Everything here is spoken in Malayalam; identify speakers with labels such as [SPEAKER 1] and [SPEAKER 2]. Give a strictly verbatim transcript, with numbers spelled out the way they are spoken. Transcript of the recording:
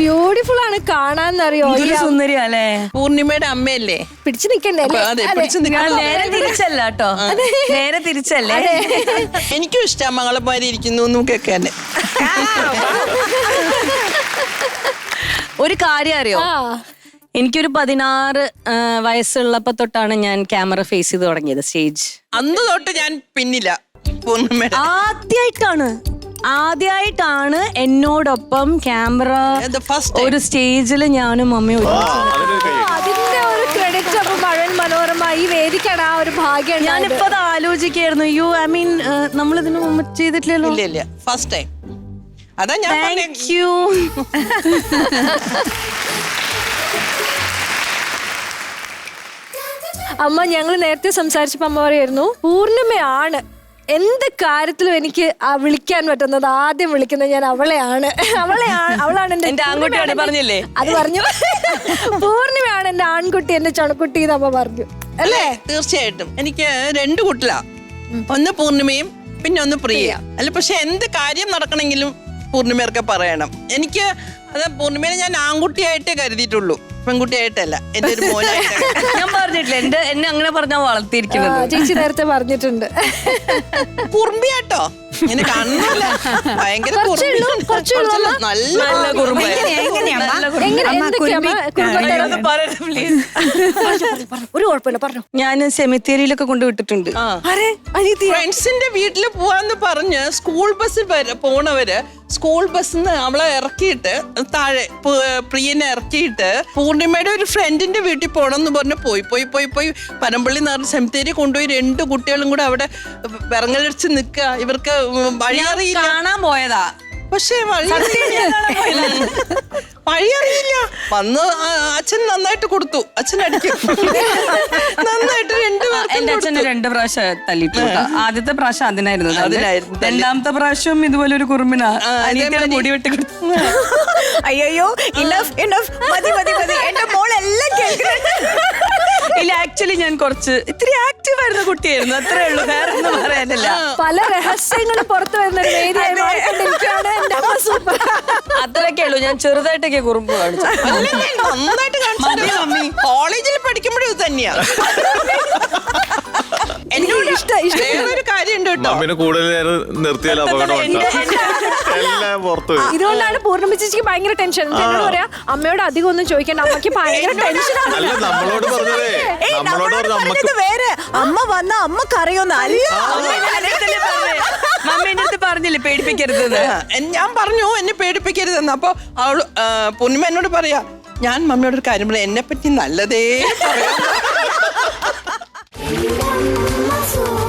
[SPEAKER 1] ബ്യൂട്ടിഫുൾ ആണ് കാണാന്നറിയോ?
[SPEAKER 2] സുന്ദരിയാ അല്ലേ?
[SPEAKER 3] പൂർണിമയുടെ അമ്മയല്ലേ?
[SPEAKER 1] പിടിച്ചു നിക്കണ്ടേ?
[SPEAKER 2] നേരെ തിരിച്ചല്ല കേട്ടോ, നേരെ തിരിച്ചല്ലേ.
[SPEAKER 3] എനിക്കും ഇഷ്ടം മംഗളമാരി ഇരിക്കുന്നു കേൾക്കാൻ.
[SPEAKER 2] ഒരു കാര്യം അറിയോ, എനിക്കൊരു പതിനാറ് വയസ്സുള്ളപ്പോ തൊട്ടാണ് ഞാൻ ക്യാമറ ഫേസ് ചെയ്ത് തുടങ്ങിയത്, സ്റ്റേജ്.
[SPEAKER 3] അന്ന് തൊട്ട് ഞാൻ പിന്നില്ല. പൂർണിമയുടെ
[SPEAKER 2] ആദ്യമായിട്ടാണ് ആദ്യമായിട്ടാണ് എന്നോടൊപ്പം ക്യാമറ ഒരു സ്റ്റേജിൽ ഞാനും മമ്മിയും.
[SPEAKER 1] അതിന്റെ ഒരു ക്രെഡിറ്റ് അപ്പൊ മഴൻ മനോരമ ഈ വേദിക്കാണ് ആ ഒരു ഭാഗ്യം.
[SPEAKER 2] ഞാനിപ്പോ അത് ആലോചിക്കായിരുന്നു. യു ഐ മീൻ നമ്മളിതിന് മുമ്പ് ചെയ്തിട്ടില്ലല്ലോ.
[SPEAKER 3] ഇല്ല ഇല്ല, ഫസ്റ്റ് ടൈം. അതാ ഞാൻ.
[SPEAKER 2] Thank you.
[SPEAKER 1] അമ്മ ഞങ്ങൾ നേരത്തെ സംസാരിച്ചപ്പോ അമ്മ പറയായിരുന്നു പൂർണിമയാണ് എന്ത് കാര്യത്തിലും എനിക്ക് വിളിക്കാൻ പറ്റുന്നത്. ആദ്യം വിളിക്കുന്നത് ഞാൻ അവളെയാണ്. അവളെയാണ് അവളാണ് എന്റെ
[SPEAKER 2] ആൺകുട്ടിയാണ് പറഞ്ഞില്ലേ?
[SPEAKER 1] അത് പറഞ്ഞു. പൂർണിമയാണ് എന്റെ ആൺകുട്ടി, എന്റെ ചണക്കുട്ടി എന്ന് അമ്മ പറഞ്ഞു അല്ലേ?
[SPEAKER 3] തീർച്ചയായിട്ടും. എനിക്ക് രണ്ട് കുട്ടിലാ, ഒന്ന് പൂർണിമയും പിന്നെ ഒന്ന് പ്രിയ. അല്ല പക്ഷെ എന്ത് കാര്യം നടക്കണമെങ്കിലും പൂർണിമയൊക്കെ പറയണം. എനിക്ക് അത് പൂർണിമയെ ഞാൻ ആൺകുട്ടിയായിട്ടേ കരുതിയിട്ടുള്ളൂ, പെൺകുട്ടിയായിട്ടല്ല. എന്റെ ഒരു മോനായിട്ട്
[SPEAKER 2] ഞാൻ പറഞ്ഞിട്ടില്ല, എന്റെ എന്നെ അങ്ങനെ പറഞ്ഞാ വളർത്തിയിരിക്കുന്നത്.
[SPEAKER 1] ചേച്ചി നേരത്തെ പറഞ്ഞിട്ടുണ്ട്.
[SPEAKER 3] കുറുമ്പിയാട്ടോ, ഇങ്ങനെ കാണുന്നില്ല, ഭയങ്കര നല്ല കുറുമ്പ.
[SPEAKER 1] ഒരു കുഴപ്പമില്ല പറഞ്ഞു.
[SPEAKER 2] ഞാൻ സെമിത്തേരിയിലൊക്കെ കൊണ്ടുവിട്ടിട്ടുണ്ട്.
[SPEAKER 3] ഫ്രണ്ട്സിന്റെ വീട്ടിൽ പോവാന്ന് പറഞ്ഞ് സ്കൂൾ ബസ്സിൽ പോണവര് സ്കൂൾ ബസ്സിന്ന് അവളെ ഇറക്കിയിട്ട് താഴെ പ്രിയനെ ഇറക്കിയിട്ട് പൂർണിമയുടെ ഒരു ഫ്രണ്ടിന്റെ വീട്ടിൽ പോണെന്ന് പറഞ്ഞ് പോയി പോയി പോയി പോയി പനമ്പള്ളി നിറഞ്ഞ സെമിത്തേരി കൊണ്ടുപോയി രണ്ട് കുട്ടികളും കൂടെ അവിടെ വിറങ്ങലിച്ച് നിൽക്കുക. ഇവർക്ക് വഴി അറിയില്ല,
[SPEAKER 2] കാണാൻ പോയതാ
[SPEAKER 3] പക്ഷേ വഴി വഴി അറിയില്ല. വന്ന് അച്ഛൻ നന്നായിട്ട് കൊടുത്തു, അച്ഛൻ അടിക്കും നന്നായിട്ട്.
[SPEAKER 2] എന്റെ അച്ഛന് രണ്ട് പ്രാവശ്യം തല്ലിട്ടു. ആദ്യത്തെ പ്രാവശ്യം അതിനായിരുന്നു
[SPEAKER 3] അതിനായിരുന്നു
[SPEAKER 2] രണ്ടാമത്തെ പ്രാവശ്യം ഇതുപോലെ ഒരു കുറുമ്പിനാ അനിയത്തിയുടെ മുടി വെട്ടി കൊടുത്തു.
[SPEAKER 4] അയ്യോ ഇനഫ് ഇനഫ് മതി മതി മതി, എന്റെ മോളെല്ലാം കേൾക്കുന്നുണ്ട്.
[SPEAKER 2] ഇല്ല, ആക്ച്വലി ഞാൻ കുറച്ച് ഇത്തിരി ആക്റ്റീവ് ആയിരുന്ന കുട്ടിയായിരുന്നു, അത്രേ ഉള്ളൂ, വേറെ ഒന്നും പറയാനില്ല.
[SPEAKER 1] പല രഹസ്യങ്ങളും പുറത്തു വരുന്ന ഒരു വേദിയായി മാറിക്കൊണ്ടിരിക്കുകയാണ്.
[SPEAKER 2] അത്രയൊക്കെ ഉള്ളൂ. ഞാൻ ചെറുതായിട്ടൊക്കെ കുറുമ്പ് കാണിച്ചു.
[SPEAKER 3] നന്നായിട്ട് കാണിച്ചു. കോളേജിൽ പഠിക്കുമ്പോഴും ഇത് തന്നെയാ. എന്നോട് വേറൊരു കാര്യമുണ്ട് കേട്ടോ,
[SPEAKER 1] ഇതുകൊണ്ടാണ് പൂർണ്ണിമ ചേച്ചിക്ക് ഭയങ്കര ടെൻഷൻ. എന്നോട് പറയാ അമ്മയോട് അധികം ഒന്നും ചോദിക്കണ്ട, അമ്മക്ക് ഭയങ്കര ടെൻഷനാണ്.
[SPEAKER 4] വേറെ അമ്മ വന്ന അമ്മക്ക് അറിയുന്ന
[SPEAKER 2] മമ്മി എന്റെ അടുത്ത് പറഞ്ഞില്ലേ പേടിപ്പിക്കരുത്.
[SPEAKER 3] ഞാൻ പറഞ്ഞു എന്നെ പേടിപ്പിക്കരുതെന്ന്. അപ്പൊ അവള് പൂർണിമ എന്നോട് പറയാ, ഞാൻ മമ്മിയോടൊരു കാര്യം പറയാം, എന്നെ പറ്റി നല്ലതേ പറയാം.